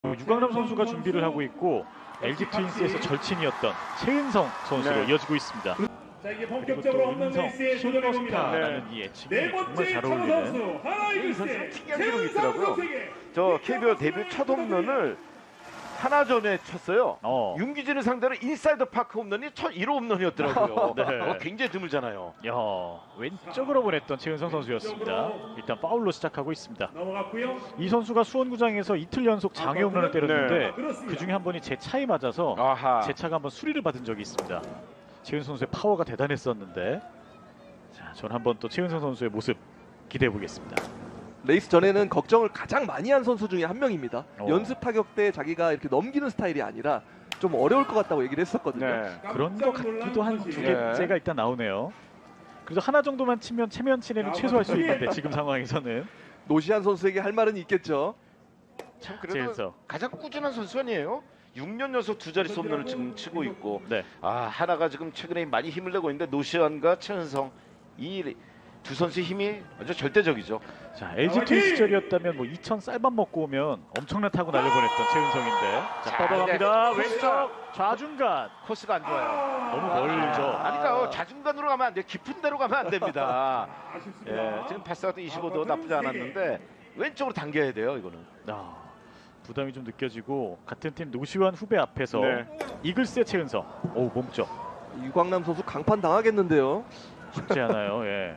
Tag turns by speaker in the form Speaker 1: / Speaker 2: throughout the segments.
Speaker 1: 유강남 선수가 준비를 하고 있고 LG 트윈스에서 절친이었던 최은성 선수로 이어지고 있습니다.
Speaker 2: 자, 이게
Speaker 1: 그리고
Speaker 2: 본격적으로
Speaker 1: 또
Speaker 2: 없는
Speaker 1: 은성
Speaker 2: 레이스에 도전해 봅니다.
Speaker 1: 슈퍼스타라는 이 애칭이
Speaker 2: 네
Speaker 1: 정말
Speaker 2: 번째
Speaker 1: 잘
Speaker 2: 차우
Speaker 1: 어울리는
Speaker 2: 선수 하나이글스의
Speaker 3: 특이한 기록이
Speaker 2: 최은성
Speaker 3: 있더라고요.
Speaker 2: 선수에게
Speaker 3: 저 KBO 데뷔 첫 홈런을 하나전에 쳤어요. 윤기진을 상대로 인사이드 파크 홈런이 첫 1호 홈런이었더라고요.
Speaker 1: 네.
Speaker 3: 굉장히 드물잖아요.
Speaker 1: 야, 왼쪽으로 보냈던 최은성 선수였습니다. 일단 파울로 시작하고 있습니다.
Speaker 2: 넘어갔고요.
Speaker 1: 이 선수가 수원구장에서 이틀 연속 장애 홈런을 때렸는데
Speaker 2: 그렇습니다.
Speaker 1: 그 중에 한 번이 제 차에 맞아서
Speaker 3: 아하.
Speaker 1: 제 차가 한번 수리를 받은 적이 있습니다. 최은성 선수의 파워가 대단했었는데, 자, 저는 한번 또 최은성 선수의 모습 기대해 보겠습니다.
Speaker 4: 레이스 전에는 걱정을 가장 많이 한 선수 중에 한 명입니다.
Speaker 1: 어.
Speaker 4: 연습 타격 때 자기가 이렇게 넘기는 스타일이 아니라 좀 어려울 것 같다고 얘기를 했었거든요.
Speaker 3: 네.
Speaker 1: 그런 것 같기도 한 두
Speaker 3: 네.
Speaker 1: 개째가 일단 나오네요. 그래서 하나 정도만 치면 체면치레는 최소할 수 있는데 지금 상황에서는
Speaker 4: 노시안 선수에게 할 말은 있겠죠.
Speaker 3: 참 그래도
Speaker 1: 최은성.
Speaker 3: 가장 꾸준한 선수 아니에요? 6년 연속 두 자릿수 홈런을 지금 치고 있고,
Speaker 1: 네.
Speaker 3: 하나가 지금 최근에 많이 힘을 내고 있는데 노시안과 최은성 이 두 선수의 힘이 아주 절대적이죠.
Speaker 1: 자, LG 트윈스 시절이었다면 뭐 2천 쌀밥 먹고 오면 엄청난 타구 날려보냈던 최은성인데, 자, 뻗어갑니다.
Speaker 3: 네.
Speaker 1: 왼쪽 좌중간
Speaker 3: 코스가 안 좋아요.
Speaker 1: 너무 멀죠.
Speaker 3: 그러니까 자중간으로 가면 안 돼요. 깊은 데로 가면 안 됩니다.
Speaker 2: 아쉽습니다.
Speaker 3: 지금 패스가 25도 나쁘지 않았는데 왼쪽으로 당겨야 돼요. 이거는.
Speaker 1: 부담이 좀 느껴지고 같은 팀 노시환 후배 앞에서 이글스의 최은성. 오, 몸쪽
Speaker 4: 유광남 선수 강판 당하겠는데요.
Speaker 1: 쉽지 않아요. 예.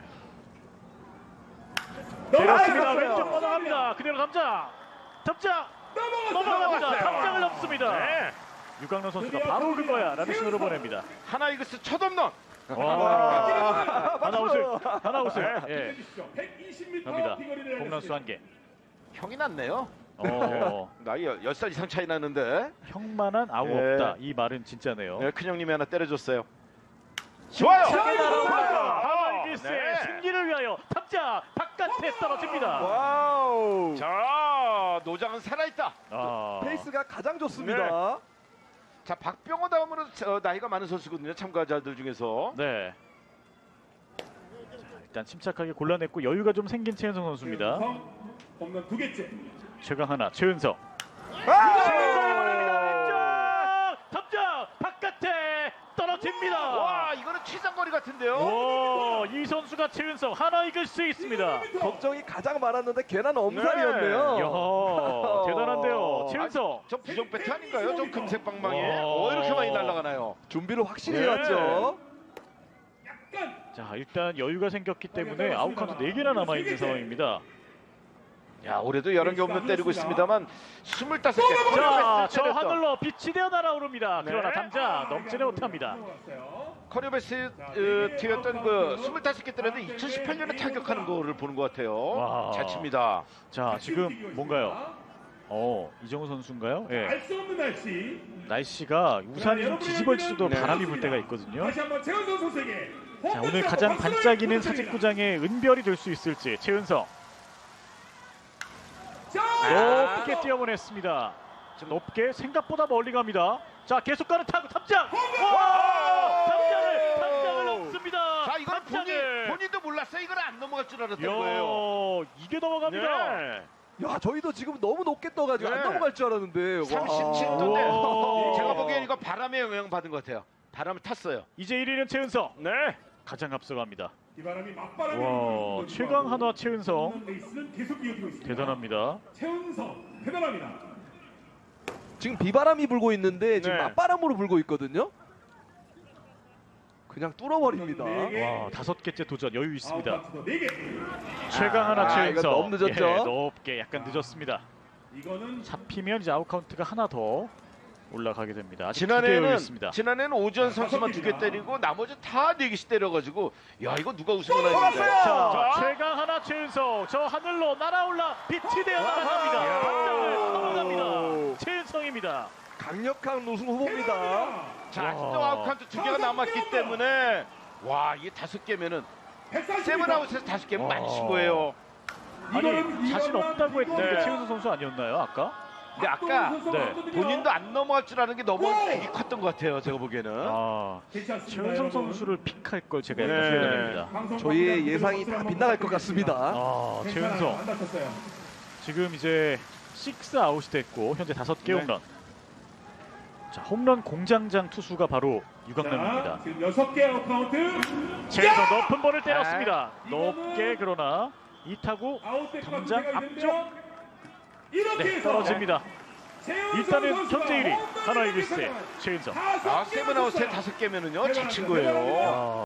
Speaker 1: 내렸습니다. 왼쪽 뻗어갑니다. 그대로 감장. 탑장 넘어갑니다. 탑장을 넘습니다. 유강남 선수가 바로 그거야 라는 신호를 보냅니다.
Speaker 3: 하나 이글스 첫 홈런.
Speaker 1: 와, 하나 우승. 예.
Speaker 2: 120m
Speaker 1: 갑니다.
Speaker 2: 비거리를
Speaker 1: 홈런수 한 개.
Speaker 3: 형이 낫네요.
Speaker 1: 어,
Speaker 3: 나이 10살 이상 차이 나는데.
Speaker 1: 형만한 아우
Speaker 3: 예.
Speaker 1: 없다. 이 말은 진짜네요.
Speaker 3: 큰 형님이 하나 때려줬어요. 좋아요.
Speaker 1: 하나이글스의 승리를 위하여 탑장 바깥에 떨어집니다.
Speaker 4: 와우.
Speaker 3: 자, 노장은 살아있다.
Speaker 4: 페이스가 가장 좋습니다.
Speaker 3: 자, 박병호 다음으로 나이가 많은 선수거든요. 참가자들 중에서.
Speaker 1: 네. 자, 일단 침착하게 골라냈고 여유가 좀 생긴 최은성 선수입니다.
Speaker 2: 홈런 두 개째.
Speaker 1: 최강 하나 최은성. 탑장 바깥에 떨어집니다.
Speaker 3: 와, 이거는 최장거리 같은데요.
Speaker 1: 오, 이 선수가 최은성 하나 이길 수 있습니다.
Speaker 4: 걱정이 가장 많았는데 괜한 엄살이었네요.
Speaker 1: 이야, 대단한데요. 최은성.
Speaker 3: 저 부정 배트 아닌가요? 저 금색 방망이에.
Speaker 1: 와.
Speaker 3: 이렇게 많이 날아가나요?
Speaker 4: 준비를 확실히
Speaker 1: 네.
Speaker 4: 해왔죠.
Speaker 1: 자, 일단 여유가 생겼기 때문에 아웃카운트 4개나 남아있는 상황입니다.
Speaker 3: 야, 올해도 11개 홈런 때리고 있습니다만 25개.
Speaker 1: 자, 저 하늘로 빛이 되어 날아오릅니다.
Speaker 3: 네.
Speaker 1: 그러나 당장 넘지는 못합니다.
Speaker 3: 커리어 베스트 였던 그 25개 때렸는데 2018년에 타격하는 거를 보는 것 같아요.
Speaker 1: 와.
Speaker 3: 잘 칩니다.
Speaker 1: 자, 지금 뭔가요? 이정우 선수인가요? 예.
Speaker 2: 알 수 없는 날씨.
Speaker 1: 날씨가 우산이 좀 뒤집어질
Speaker 3: 네.
Speaker 1: 바람이 불 때가 있거든요.
Speaker 2: 다시 한번 최은성 선수에게.
Speaker 1: 자, 오늘 가장 반짝이는 사직구장의 은별이 될 수 있을지 최은성 높게 뛰어보냈습니다. 높게 생각보다 멀리 갑니다. 자, 계속 가는 타구 탑장. 와! 탑장을 넘습니다.
Speaker 3: 자, 이건
Speaker 1: 탑장을.
Speaker 3: 본인도 몰랐어요. 이건 안 넘어갈 줄 알았던
Speaker 1: 이야,
Speaker 3: 거예요.
Speaker 1: 이게 넘어갑니다.
Speaker 3: 네.
Speaker 4: 야, 저희도 지금 너무 높게 떠가지고
Speaker 3: 네.
Speaker 4: 안 넘어갈 줄 알았는데.
Speaker 3: 37도인데
Speaker 1: 와.
Speaker 3: 제가 보기엔 이거 바람에 영향 받은 것 같아요. 바람을 탔어요.
Speaker 1: 이제 1위는 최은성.
Speaker 3: 네.
Speaker 1: 가장 앞서갑니다.
Speaker 2: 비바람이 맞바람이
Speaker 1: 와,
Speaker 2: 불고
Speaker 1: 최강 하나 최은성.
Speaker 2: 홈런 레이스는 계속 이어지고 있습니다.
Speaker 1: 대단합니다.
Speaker 2: 최은성 대단합니다.
Speaker 4: 지금 비바람이 불고 있는데 지금
Speaker 3: 네.
Speaker 4: 맞바람으로 불고 있거든요. 그냥 뚫어버립니다.
Speaker 1: 와, 5개째 도전 여유 있습니다.
Speaker 2: 아웃카운트도 4개.
Speaker 1: 최강 하나
Speaker 4: 이거
Speaker 1: 최은성.
Speaker 4: 너무 늦었죠?
Speaker 1: 예, 높게 약간 늦었습니다.
Speaker 2: 이거는
Speaker 1: 잡히면 이제 아웃카운트가 하나 더 올라가게 됩니다. 아직 2개 여유 있습니다.
Speaker 3: 지난해는 오지환 선수만 2개 때리고 나머지 다 4개씩 때려가지고 야, 이거 누가 우승을 하는데.
Speaker 1: 자, 최강 하나 최은성 저 하늘로 날아올라 빛이 되어 날아갑니다. 당장을 넘어갑니다. 최은성입니다.
Speaker 4: 강력한 우승 후보입니다.
Speaker 3: 자,
Speaker 1: 와.
Speaker 3: 신동 아웃카운트 2개가 남았기 때문에 와, 이게 5개면은 세븐아웃에서 5개면 많이 친 거예요.
Speaker 1: 아니, 자신 없다고 했던 게
Speaker 3: 네.
Speaker 1: 최은성 선수 아니었나요, 아까?
Speaker 3: 근데 아까
Speaker 1: 네.
Speaker 3: 본인도 안 넘어갈 줄 아는 게 너무 애기 컸던 것 같아요. 제가 보기에는.
Speaker 1: 최은성 선수를 픽할 걸 제가 약간
Speaker 3: 네.
Speaker 1: 후회됩니다.
Speaker 4: 저희의 예상이 다 빗나갈 것 같습니다.
Speaker 1: 최은성 지금 이제 6아웃이 됐고 현재 5개
Speaker 3: 네.
Speaker 1: 홈런. 자, 홈런 공장장 투수가 바로 유강남입니다.
Speaker 2: 자, 지금 6개 아웃 카운트.
Speaker 1: 최에서 높은 볼을 때렸습니다.
Speaker 2: 이거는
Speaker 1: 높게 그러나 이 타구
Speaker 2: 아웃될 것 같은
Speaker 1: 당장
Speaker 2: 생각이
Speaker 1: 앞쪽.
Speaker 2: 드는데요. 이렇게
Speaker 1: 네,
Speaker 2: 해서
Speaker 1: 떨어집니다.
Speaker 2: 최은성
Speaker 1: 일단은
Speaker 2: 선수가
Speaker 1: 현재 1위
Speaker 2: 홈런을
Speaker 1: 하나 이글스의
Speaker 2: 기록했잖아요.
Speaker 1: 최은성.
Speaker 3: 아, 세븐아웃에 5개면은요, 잘 친 거예요.